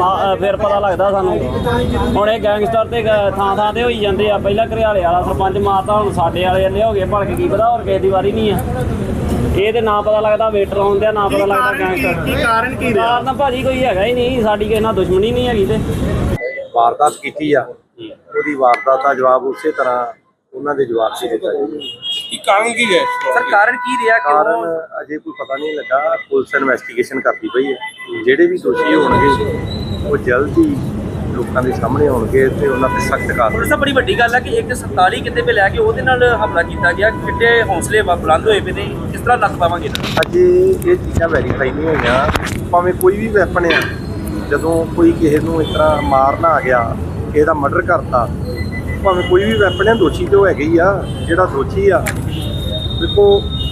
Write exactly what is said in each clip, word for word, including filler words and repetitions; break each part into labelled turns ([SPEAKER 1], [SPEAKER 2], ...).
[SPEAKER 1] फिर पता लगता सानू। हुण ये गैंगस्टर ते थां थां ते होई जांदे आ। पहिला घरियाले वाला सरपंच मारता, हुण साडे वाले जल्ले हो गए भड़क, की पता होर किसे दी वारी नहीं है। ये ते ना पता लगता वेटर आउंदे, ना पता लगता गैंगस्टर। कारण की कारण भाजी कोई हैगा ही नहीं, साडी किसे नाल दुश्मनी नहीं हैगी। ते
[SPEAKER 2] वारदात कीती आ, ਉਹਦੀ ਵਾਰਦਾਤ ਦਾ ਜਵਾਬ ਉਸੇ ਤਰ੍ਹਾਂ ਉਹਨਾਂ ਦੇ ਜਵਾਬ 'ਚ ਦਿੱਤਾ ਜਾਊਗਾ।
[SPEAKER 3] ਕੀ ਕਾਰਨ ਕੀ ਹੈ ਸਰ? ਕਾਰਨ ਕੀ ਰਿਹਾ?
[SPEAKER 2] ਕਾਰਨ ਅਜੇ ਕੋਈ ਪਤਾ ਨਹੀਂ ਲੱਗਾ। ਪੁਲਿਸ ਇਨਵੈਸਟੀਗੇਸ਼ਨ ਕਰਦੀ ਪਈ ਹੈ। ਜਿਹੜੇ ਵੀ ਦੋਸ਼ੀ ਹੋਣਗੇ ਉਹ ਜਲਦ ਹੀ ਲੋਕਾਂ ਦੇ ਸਾਹਮਣੇ ਆਉਣਗੇ ਤੇ ਉਹਨਾਂ ਤੇ ਸਖਤ ਕਾਰਵਾਈ।
[SPEAKER 3] ਸਭ ਬੜੀ ਵੱਡੀ ਗੱਲ ਹੈ ਕਿ ਇੱਕ ਸੰਤਾਲੀ ਕਿਤੇ ਪੇ ਲੈ ਕੇ ਉਹਦੇ ਨਾਲ ਹਮਲਾ ਕੀਤਾ ਗਿਆ। ਕਿੱਡੇ ਹੌਸਲੇ ਬੁਲੰਦ ਹੋਏ ਪਏ ਨੇ, ਕਿਸ ਤਰ੍ਹਾਂ ਲੱਗ ਪਾਵਾਂਗੇ?
[SPEAKER 2] ਅਜੇ ਇਹ ਚੀਜ਼ਾਂ ਵੈਰੀਫਾਈ ਨਹੀਂ ਹੋਈਆਂ। ਭਾਵੇਂ ਕੋਈ ਵੀ ਵੈਪਨ ਆ, ਜਦੋਂ ਕੋਈ ਕਿਸੇ ਨੂੰ ਇਸ ਤਰ੍ਹਾਂ ਮਾਰਨਾ ਆ ਗਿਆ, ਕਿਸੇ ਦਾ ਮਰਡਰ ਕਰਤਾ, ਭਾਵੇਂ ਕੋਈ ਵੀ ਵੈਪਨ ਹੈ, ਦੋਸ਼ੀ ਤਾਂ ਉਹ ਹੈਗੇ ਹੀ ਆ। ਜਿਹੜਾ ਦੋਸ਼ੀ ਆ, ਦੇਖੋ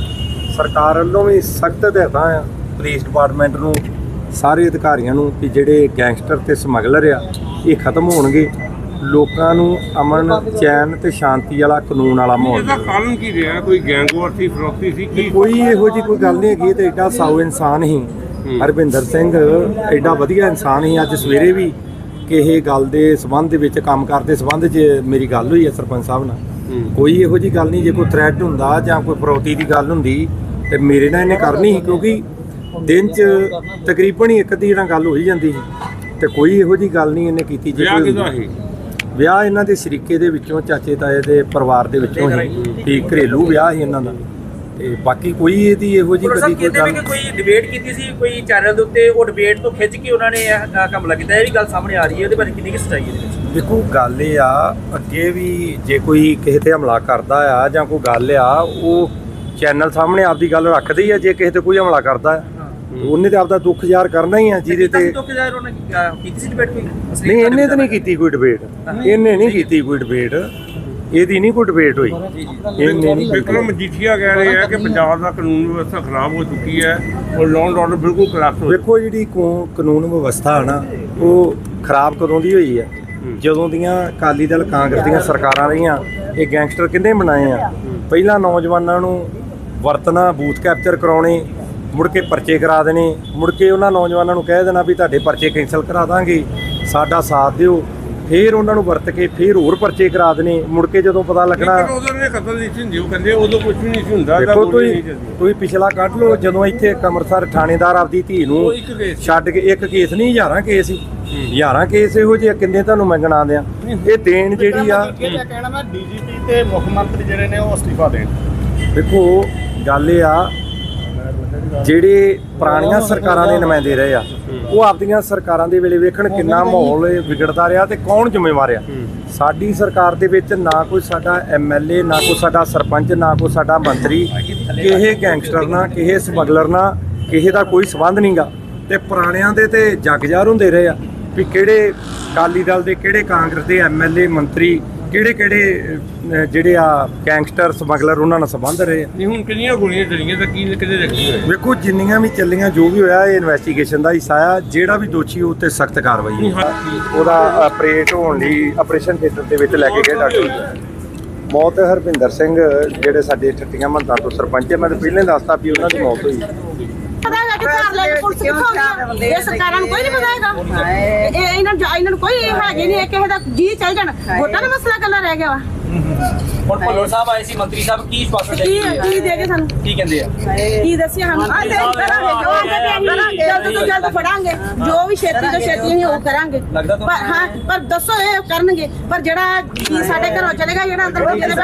[SPEAKER 2] ਸਰਕਾਰ ਵੱਲੋਂ ਵੀ ਸਖਤ ਹਦਾਇਤਾਂ ਆ ਪੁਲਿਸ ਡਿਪਾਰਟਮੈਂਟ ਨੂੰ, ਸਾਰੇ ਅਧਿਕਾਰੀਆਂ ਨੂੰ ਕਿ ਜਿਹੜੇ ਗੈਂਗਸਟਰ ਤੇ ਸਮਗਲਰ ਆ ਇਹ ਖਤਮ ਹੋਣਗੇ। ਲੋਕਾਂ ਨੂੰ ਅਮਨ ਚੈਨ ਤੇ ਸ਼ਾਂਤੀ ਵਾਲਾ ਕਾਨੂੰਨ ਵਾਲਾ ਮਾਹੌਲ।
[SPEAKER 4] ਇਹਦਾ ਕਾਰਨ ਕੀ ਰਿਹਾ? ਕੋਈ ਗੈਂਗਵਾਰ ਸੀ, ਫਰੋਤੀ ਸੀ ਕੀ?
[SPEAKER 2] ਕੋਈ ਇਹੋ ਜਿਹੀ ਕੋਈ ਗੱਲ ਨਹੀਂ ਹੈਗੀ। ਤੇ ਐਡਾ ਸਾਊ ਇਨਸਾਨ ਹੀ ਹਰਵਿੰਦਰ ਸਿੰਘ, ਐਡਾ ਵਧੀਆ ਇਨਸਾਨ ਹੀ। ਅੱਜ ਸਵੇਰੇ ਵੀ ਕਿਸੇ ਗੱਲ ਦੇ ਸੰਬੰਧ ਦੇ ਵਿੱਚ, ਕੰਮ ਕਰਦੇ ਸੰਬੰਧ 'ਚ ਮੇਰੀ ਗੱਲ ਹੋਈ ਹੈ ਸਰਪੰਚ ਸਾਹਿਬ ਨਾਲ। ਕੋਈ ਇਹੋ ਜਿਹੀ ਗੱਲ ਨਹੀਂ। ਜੇ ਕੋਈ ਥ੍ਰੈਟ ਹੁੰਦਾ ਜਾਂ ਕੋਈ ਫਰੋਤੀ ਦੀ ਗੱਲ ਹੁੰਦੀ ਤੇ ਮੇਰੇ ਨਾਲ ਇਹਨੇ ਕਰਨੀ ਸੀ, ਕਿਉਂਕਿ ਦਿਨ 'ਚ ਤਕਰੀਬਨ ਹੀ ਇੱਕ ਦੀ ਨਾਲ ਗੱਲ ਹੋਈ ਜਾਂਦੀ ਸੀ। ਤੇ ਕੋਈ ਇਹੋ ਜਿਹੀ ਗੱਲ ਨਹੀਂ ਇਹਨੇ ਕੀਤੀ। ਜੇ ਕੋਈ ਵਿਆਹ ਇਹਨਾਂ ਦੇ ਸ਼ਰੀਕੇ ਦੇ ਵਿੱਚੋਂ, ਚਾਚੇ ਤਾਏ ਦੇ ਪਰਿਵਾਰ ਦੇ ਵਿੱਚੋਂ ਹੀ, ਕਿ ਘਰੇਲੂ ਵਿਆਹ ਸੀ ਇਹਨਾਂ ਦਾ। ਤੇ ਬਾਕੀ ਕੋਈ ਇਹਦੀ ਇਹੋ ਜਿਹੀ ਕਦੀ ਕੋਈ ਗੱਲ।
[SPEAKER 3] ਕੋਈ ਡਿਬੇਟ ਕੀਤੀ ਸੀ ਕੋਈ ਚੈਨਲ ਦੇ ਉੱਤੇ, ਉਹ ਡਿਬੇਟ ਤੋਂ ਖਿੱਚ ਕੇ ਉਹਨਾਂ ਨੇ ਇਹ ਹਮਲਾ ਕੀਤਾ, ਇਹ ਵੀ ਗੱਲ ਸਾਹਮਣੇ ਆ ਰਹੀ ਹੈ। ਉਹਦੇ ਬਾਰੇ ਕਿੰਨੀ ਕੁ ਸੱਚਾਈ ਹੈ ਇਹਦੇ ਵਿੱਚ?
[SPEAKER 2] ਦੇਖੋ ਗੱਲ ਇਹ ਆ, ਅੱਗੇ ਵੀ ਜੇ ਕੋਈ ਕਿਸੇ ਤੇ ਹਮਲਾ ਕਰਦਾ ਆ ਜਾਂ ਕੋਈ ਗੱਲ ਆ, ਉਹ ਚੈਨਲ ਸਾਹਮਣੇ ਆਪਦੀ ਗੱਲ ਰੱਖਦੇ ਹੀ ਆ। ਜੇ ਕਿਸੇ ਤੇ ਕੋਈ ਹਮਲਾ ਕਰਦਾ ਆ, ਉਹਨੇ ਤੇ ਆਪਦਾ ਦੁੱਖ ਜ਼ਾਹਰ ਕਰਨਾ ਹੀ ਆ। ਜਿਹਦੇ ਤੇ
[SPEAKER 3] ਦੁੱਖ ਜ਼ਾਹਰ ਉਹਨੇ ਕੀਤੀ ਸੀ ਡਿਬੇਟ ਕੋਈ?
[SPEAKER 2] ਨਹੀਂ, ਇਹਨੇ ਤਾਂ ਨਹੀਂ ਕੀਤੀ ਕੋਈ ਡਿਬੇਟ। ਇਹਨੇ ਨਹੀਂ ਕੀਤੀ ਕੋਈ ਡਿਬੇਟ, ਇਹਦੀ ਨਹੀਂ ਕੋਈ ਡਿਬੇਟ ਹੋਈ। ਇਹਨੇ ਨਹੀਂ।
[SPEAKER 4] ਵਿਕਰਮ ਮਜੀਠੀਆ ਕਹਿ ਰਹੇ ਆ ਕਿ ਪੰਜਾਬ ਦਾ ਕਾਨੂੰਨ ਵਿਵਸਥਾ ਖਰਾਬ ਹੋ ਚੁੱਕੀ ਹੈ ਔਰ ਲਾਅ ਐਂਡ ਆਰਡਰ ਬਿਲਕੁਲ ਕਲਾਸ ਹੋ।
[SPEAKER 2] ਦੇਖੋ ਜਿਹੜੀ ਕਾਨੂੰਨ ਵਿਵਸਥਾ ਹੈ ਨਾ, ਉਹ ਖਰਾਬ ਕਦੋਂ ਦੀ ਹੋਈ ਹੈ? ਜਦੋਂ ਦੀਆਂ ਅਕਾਲੀ ਦਲ ਕਾਂਗਰਸ ਦੀਆਂ ਸਰਕਾਰਾਂ ਰਹੀਆਂ। ਇਹ ਗੈਂਗਸਟਰ ਕਿੰਨੇ ਬਣਾਏ ਆ? ਪਹਿਲਾਂ ਨੌਜਵਾਨਾਂ ਨੂੰ ਵਰਤਣਾ, ਬੂਥ ਕੈਪਚਰ ਕਰਾਉਣੇ, ਮੁੜ ਕੇ ਪਰਚੇ ਕਰਾ ਦੇਣੇ, ਮੁੜ ਕੇ ਉਹਨਾਂ ਨੌਜਵਾਨਾਂ ਨੂੰ ਕਹਿ ਦੇਣਾ ਵੀ ਤੁਹਾਡੇ ਪਰਚੇ ਕੈਂਸਲ ਕਰਾ ਦਾਂਗੇ, ਸਾਡਾ ਸਾਥ ਦਿਓ। ਫਿਰ ਉਹਨਾਂ ਨੂੰ ਵਰਤ ਕੇ ਫਿਰ ਹੋਰ ਪਰਚੇ ਕਰਾ ਦੇਣੇ। ਮੁੜ ਕੇ ਜਦੋਂ ਪਤਾ ਲੱਗਣਾ
[SPEAKER 4] ਉਦੋਂ ਨੇ ਕਤਲ ਨਹੀਂ ਸੀ ਹੁੰਦੀ, ਕਹਿੰਦੇ ਉਦੋਂ ਕੁਝ ਵੀ ਨਹੀਂ ਸੀ ਹੁੰਦਾ।
[SPEAKER 2] ਦੇਖੋ ਤੁਸੀਂ ਤੁਸੀਂ ਪਿਛਲਾ ਕੱਢ ਲਓ, ਜਦੋਂ ਇੱਥੇ ਅੰਮ੍ਰਿਤਸਰ ਥਾਣੇਦਾਰ ਆਪਦੀ ਧੀ ਨੂੰ ਛੱਡ ਕੇ, ਇੱਕ ਕੇਸ ਨਹੀਂ ਹਜ਼ਾਰਾਂ ਕੇਸ ਸੀ, ਹਜ਼ਾਰਾਂ ਕੇਸ ਇਹੋ ਜਿਹੇ ਕਿੰਨੇ ਤੁਹਾਨੂੰ ਮੈਂ ਗਿਣਾ ਦਿਆਂ। ਇਹ ਦੇਣ ਜਿਹੜੀ ਆ,
[SPEAKER 5] ਕਹਿਣਾ ਮੈਂ ਡੀਜੀਪੀ ਤੇ ਮੁੱਖ ਮੰਤਰੀ ਜਿਹੜੇ ਨੇ ਉਹ ਅਸਤੀਫਾ ਦੇਣ।
[SPEAKER 2] ਦੇਖੋ ਗੱਲ ਇਹ ਆ, ਜਿਹੜੇ ਪੁਰਾਣੀਆਂ ਸਰਕਾਰਾਂ ਦੇ ਨੁਮਾਇੰਦੇ ਰਹੇ ਆ, ਉਹ ਆਪਦੀਆਂ ਸਰਕਾਰਾਂ ਦੇ ਵੇਲੇ ਵੇਖਣ ਕਿੰਨਾ ਮਾਹੌਲ ਵਿਗੜਦਾ ਰਿਹਾ ਤੇ ਕੌਣ ਜ਼ਿੰਮੇਵਾਰ ਆ। ਸਾਡੀ ਸਰਕਾਰ ਦੇ ਵਿੱਚ ਨਾ ਕੋਈ ਸਾਡਾ ਐਮ ਐਲ ਏ, ਨਾ ਕੋਈ ਸਾਡਾ ਸਰਪੰਚ, ਨਾ ਕੋਈ ਸਾਡਾ ਮੰਤਰੀ ਕਿਸੇ ਗੈਂਗਸਟਰ ਨਾਲ, ਕਿਸੇ ਸਮਗਲਰ ਨਾਲ ਕਿਸੇ ਦਾ ਕੋਈ ਸੰਬੰਧ ਨਹੀਂਗਾ। ਤੇ ਪੁਰਾਣਿਆਂ ਦੇ ਤੇ ਜੱਗ ਜ਼ਾਹਰ ਹੁੰਦੇ ਰਹੇ ਆ ਵੀ ਕਿਹੜੇ ਅਕਾਲੀ ਦਲ ਦੇ, ਕਿਹੜੇ ਕਾਂਗਰਸ ਦੇ ਐਮ ਐਲ ਏ, ਮੰਤਰੀ, ਕਿਹੜੇ ਕਿਹੜੇ ਜਿਹੜੇ ਆ ਗੈਂਗਸਟਰ ਸਮਗਲਰ ਉਹਨਾਂ ਨਾਲ ਸੰਬੰਧ ਰਹੇ।
[SPEAKER 4] ਨਹੀਂ ਹੁਣ ਕਿੰਨੀਆਂ ਗੋਲੀਆਂ ਚੱਲੀਆਂ ਤਾਂ ਕੀ ਕਿਤੇ ਰੱਖੀ ਹੋਏ?
[SPEAKER 2] ਵੇਖੋ ਜਿੰਨੀਆਂ ਵੀ ਚੱਲੀਆਂ, ਜੋ ਵੀ ਹੋਇਆ, ਇਹ ਇਨਵੈਸਟੀਗੇਸ਼ਨ ਦਾ ਹਿੱਸਾ ਆ। ਜਿਹੜਾ ਵੀ ਦੋਸ਼ੀ ਉਹ 'ਤੇ ਸਖਤ ਕਾਰਵਾਈ ਹੈ। ਉਹਦਾ ਆਪਰੇਟ ਹੋਣ ਲਈ ਆਪਰੇਸ਼ਨ ਥੀਏਟਰ ਦੇ ਵਿੱਚ ਲੈ ਕੇ ਗਏ ਡਾਕਟਰ। ਮੌਤ ਹਰਵਿੰਦਰ ਸਿੰਘ ਜਿਹੜੇ ਸਾਡੇ ਠੱਟੀਆਂ ਮਹੰਤਾਂ ਤੋਂ ਸਰਪੰਚ ਹੈ, ਮੈਂ ਤਾਂ ਪਹਿਲਾਂ ਦੱਸਤਾ ਵੀ ਉਹਨਾਂ ਦੀ ਮੌਤ ਹੋਈ।
[SPEAKER 6] ਪਤਾ ਹੈਗਾ ਕਿ ਘਰ ਲੈ ਕੇ ਪੁਲਿਸ ਕਿੱਥੋਂ ਗਈ? ਇਹ ਸਰਕਾਰਾਂ ਨੂੰ ਕੋਈ ਨਹੀਂ ਪਤਾ ਹੈਗਾ। ਇਹ ਇਹਨਾਂ ਨੂੰ ਇਹਨਾਂ ਨੂੰ ਕੋਈ ਹੈਗੇ ਨਹੀਂ, ਕਿਸੇ ਦਾ ਜੀ ਚੱਲ ਜਾਣ। ਵੋਟਾਂ ਦਾ ਮਸਲਾ ਕੱਲਾ ਰਹਿ ਗਿਆ ਵਾ।
[SPEAKER 3] ਹੁਣ ਭੱਲਰ ਸਾਹਿਬ ਆਏ ਸੀ, ਮੰਤਰੀ ਸਾਹਿਬ ਕੀ ਸਪਸ਼ਟ
[SPEAKER 6] ਕੀ ਕੀ ਦੇ ਕੇ ਸਾਨੂੰ
[SPEAKER 3] ਕੀ ਕਹਿੰਦੇ ਆ?
[SPEAKER 6] ਕੀ ਦੱਸਿਆ ਸਾਨੂੰ? ਆ ਦੇ ਕਰਾਂਗੇ, ਕਰਾਂਗੇ, ਜਲਦ ਤੋਂ ਜਲਦ ਫੜਾਂਗੇ। ਜੋ ਵੀ ਛੇਤੀ ਤੋਂ ਛੇਤੀ ਅਸੀਂ ਉਹ ਕਰਾਂਗੇ। ਪਰ ਹਾਂ, ਪਰ ਦੱਸੋ ਇਹ ਕਰਨਗੇ। ਪਰ ਜਿਹੜਾ ਕੀ ਸਾਡੇ ਘਰੋਂ ਚਲੇਗਾ, ਜਿਹੜਾ ਅੰਦਰ ਬੱਚੇ ਦੇ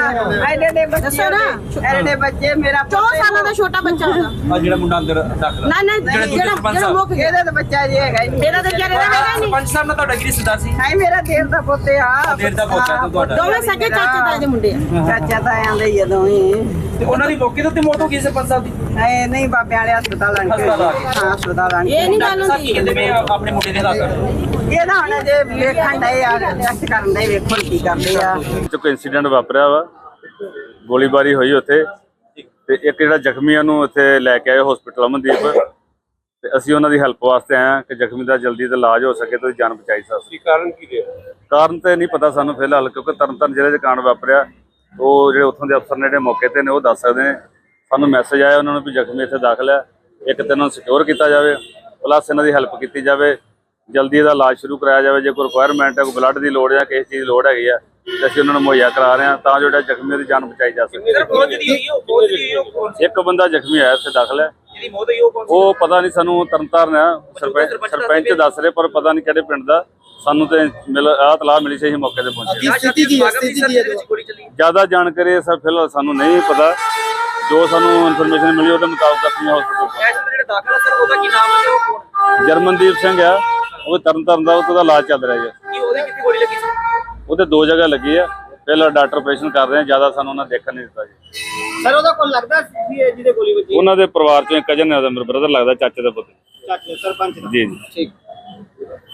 [SPEAKER 7] ਐਡੇ ਬੱਚੇ,
[SPEAKER 6] ਦੱਸੋ ਨਾ।
[SPEAKER 7] ਐਡੇ ਬੱਚੇ, ਮੇਰਾ
[SPEAKER 6] ਚੌਦਾਂ ਸਾਲਾਂ ਦਾ ਛੋਟਾ ਬੱਚਾ ਹੈਗਾ।
[SPEAKER 3] ਆ ਜਿਹੜਾ ਮੁੰਡਾ ਅੰਦਰ ਦਾਖਲ
[SPEAKER 6] ਨਾ ਨਾ ਜਿਹੜਾ ਜਿਹੜਾ ਮੁੱਕ ਗਿਆ,
[SPEAKER 7] ਇਹਦਾ ਤਾਂ ਬੱਚਾ ਜੀ ਹੈਗਾ ਹੀ ਨਹੀਂ।
[SPEAKER 6] ਇਹਦਾ ਤਾਂ ਵਿਚਾਰੇ ਦਾ ਹੈਗਾ ਹੀ ਨਹੀਂ।
[SPEAKER 3] ਸਰਪੰਚ ਸਾਹਿਬ ਨਾਲ ਤੁਹਾਡਾ ਕੀ ਰਿਸ਼ਤਾ ਸੀ?
[SPEAKER 7] ਹਾਏ ਮੇਰਾ ਦੇਰ ਦਾ ਪੁੱਤ ਆ।
[SPEAKER 3] ਦੇਰ ਦਾ ਪੁੱਤ ਆ ਤੁਹਾਡਾ?
[SPEAKER 6] ਦੋਵੇਂ ਸਕੇ ਚਾਚੇ ਤਾਏ ਦੇ ਮੁੰਡੇ ਆ।
[SPEAKER 7] ਚਾਚਾ ਤਾਂ ਆਂਦੇ ਹੀ ਜਦੋਂ ਹੀ।
[SPEAKER 3] ਤੇ ਉਹਨਾਂ ਦੀ ਮੌਕੇ ਤੇ ਮੌਤ ਹੋ ਗਈ ਸਰਪੰਚ ਸਾਹਿਬ ਦੀ?
[SPEAKER 7] ਹਾਏ ਨਹੀਂ, ਬਾਬੇ ਵਾਲੇ ਹਸਪਤਾਲ ਆਣ ਕੇ। ਹਾਂ, ਹਸਪਤਾਲ ਆਣ ਕੇ।
[SPEAKER 6] ਇਹ ਨਹੀਂ ਗੱਲ
[SPEAKER 3] ਸਾਹਿਬ ਕੀ ਕਹਿੰਦੇ ਮੈਂ ਆਪਣੇ ਮੁੰਡੇ ਦੇ ਹਾਲਾਤ?
[SPEAKER 7] ਇਹਦਾ ਹੁਣ ਜੇ ਵੇਖਣ ਡਏ ਆ, ਟੈਸਟ ਕਰਨ ਡਏ, ਵੇਖੋ ਕੀ ਕਰਦੇ ਆ।
[SPEAKER 8] ਕੋਈ ਇਨਸੀਡੈਂਟ ਵਾਪਰਿਆ ਵਾ, ਗੋਲੀਬਾਰੀ ਹੋਈ ਉੱਥੇ, ਤੇ ਇੱਕ ਜਿਹੜਾ ਜ਼ਖਮੀ ਉਹਨੂੰ ਉੱਥੇ ਲੈ ਕੇ ਆਏ ਹਸਪੀਟਲ ਅਮਨਦੀਪ, ਤੇ ਅਸੀਂ ਉਹਨਾਂ ਦੀ ਹੈਲਪ ਵਾਸਤੇ ਆਏ ਹਾਂ ਕਿ ਜ਼ਖਮੀ ਦਾ ਜਲਦੀ ਤੇ ਇਲਾਜ ਹੋ ਸਕੇ ਤੇ ਉਹਦੀ ਜਾਨ ਬਚਾਈ ਜਾ ਸਕੇ।
[SPEAKER 4] ਕਾਰਨ ਕੀ ਰਿਹਾ?
[SPEAKER 8] ਕਾਰਨ ਤੇ ਨਹੀਂ ਪਤਾ ਸਾਨੂੰ ਫਿਲਹਾਲ, ਕਿਉਂਕਿ ਤਰਨਤਾਰਨ ਜ਼ਿਲ੍ਹੇ 'ਚ ਕਾਂਡ ਵਾਪਰਿਆ। ਉਹ ਜਿਹੜੇ ਉੱਥੋਂ ਦੇ ਅਫਸਰ ਨੇ ਜਿਹੜੇ ਮੌਕੇ ਤੇ ਨੇ ਉਹ ਦੱਸ ਸਕਦੇ ਨੇ। ਸਾਨੂੰ ਮੈਸੇਜ ਆਇਆ ਉਹਨਾਂ ਨੂੰ ਵੀ ਜ਼ਖਮੀ ਇੱਥੇ ਦਾਖਲ ਹੈ, ਇੱਕ ਤੇ ਇਹਨਾਂ ਨੂੰ ਸਿਕਿਉਰ ਕੀਤਾ ਜਾਵੇ, ਪਲੱਸ ਇਹਨਾਂ ਦੀ ਹੈਲਪ ਕੀਤੀ ਜਾਵੇ। ਜਲਦੀ ਇਹਦਾ ਇਲਾਜ ਸ਼ੁਰੂ ਕਰਾਇਆ ਜਾਵੇ। ਜੇ ਕੋਈ ਰਿਕੁਆਇਰਮੈਂਟ ਹੈ, ਕੋਈ ਬਲੱਡ ਦੀ ਲੋੜ ਜਾਂ ਕਿਸੇ ਚੀਜ਼ ਦੀ ਲੋੜ ਹੈਗੀ ਆ ਤੇ ਅਸੀਂ ਉਹਨਾਂ ਨੂੰ ਮੁਹੱਈਆ ਕਰਾ ਰਹੇ ਹਾਂ ਤਾਂ ਜੋ ਜਿਹੜਾ ਜ਼ਖਮੀ ਦੀ ਜਾਨ ਬਚਾਈ ਜਾ ਸਕੇ।
[SPEAKER 3] ਸਰ ਕੌਣ ਜਿਹੜੀ ਹੋਈ ਉਹ ਕੌਣ ਜਿਹੜੀ ਹੋਈ ਉਹ ਕੌਣ ਸੀ?
[SPEAKER 8] ਇੱਕ ਬੰਦਾ ਜ਼ਖਮੀ ਹੋਇਆ ਇੱਥੇ ਦਾਖਲ ਹੈ,
[SPEAKER 3] ਜਿਹਦੀ ਮੌਤ ਹੋਈ ਉਹ ਕੌਣ ਸੀ?
[SPEAKER 8] ਉਹ ਪਤਾ ਨਹੀਂ ਸਾਨੂੰ ਤਰਨਤਾਰਨ ਆ ਸਰਪੰਚ ਸਰਪੰਚ ਦੱਸ ਰਹੇ ਪਰ ਪਤਾ ਨਹੀਂ ਕਿਹੜੇ ਪਿੰਡ ਦਾ। ਸਾਨੂੰ ਤੇ ਮਿਲ ਆਹ ਤਲਾਹ ਮਿਲੀ ਸੀ, ਅਸੀਂ ਮੌਕੇ ਤੇ ਪਹੁੰਚੇ।
[SPEAKER 3] ਸਥਿਤੀ ਕੀ ਹੈ? ਸਥਿਤੀ ਕੀ ਹੈ ਜਿਹਦੇ ਵਿੱਚ ਗੋਲੀ ਚੱਲੀ?
[SPEAKER 8] ਜ਼ਿਆਦਾ ਜਾਣਕਾਰੀ ਸਰ ਫਿਲਹਾਲ ਸਾਨੂੰ ਨਹੀਂ ਪਤਾ, ਜੋ ਸਾਨੂੰ ਇਨਫੋਰਮੇਸ਼ਨ ਮਿਲੀ ਉਹਦੇ ਮੁਤਾਬਕ ਅਸੀਂ ਹਸਪਤਾਲ
[SPEAKER 3] ਐਸ ਜਿਹੜਾ ਦਾਖਲ ਹੈ ਸਰ ਉਹਦਾ ਕੀ ਨਾਮ ਹੈ ਤੇ ਉਹ ਕੌਣ?
[SPEAKER 8] ਜਰਮਨਦੀਪ ਸਿੰਘ ਆ, ਉਹ ਤਰਨਤਾਰਨ ਦਾ, ਉਹਦਾ ਇਲਾਜ ਚੱਲ ਰਿਹਾ ਜੀ।
[SPEAKER 3] ਕੀ ਉਹਦੇ ਕਿੱਥੇ ਗੋਲੀ ਲੱਗੀ ਸੀ?
[SPEAKER 8] ਉਹਦੇ ਦੋ ਜਗ੍ਹਾ ਲੱਗੀ ਆ। ਪਹਿਲਾਂ ਡਾਕਟਰ ਆਪਰੇਸ਼ਨ ਕਰ ਰਹੇ ਆ, ਜ਼ਿਆਦਾ ਸਾਨੂੰ ਉਹਨਾਂ ਦੇਖਣ ਨਹੀਂ ਦਿੱਤਾ ਜੀ।
[SPEAKER 3] ਸਰ ਉਹਦਾ ਕੋਲ ਲੱਗਦਾ ਸੀ ਇਹ ਜਿਹਦੇ ਗੋਲੀ ਵੱਜੀ?
[SPEAKER 8] ਉਹਨਾਂ ਦੇ ਪਰਿਵਾਰ ਚੋਂ ਇੱਕ ਕਜ਼ਨ ਹੈ, ਉਹਦਾ ਮੇਰਾ ਬ੍ਰਦਰ ਲੱਗਦਾ, ਚਾਚੇ ਦਾ ਪੁੱਤ।
[SPEAKER 3] ਚਾਚੇ ਸਰਪੰਚ ਦਾ?
[SPEAKER 8] ਜੀ ਜੀ।
[SPEAKER 3] ਠੀਕ।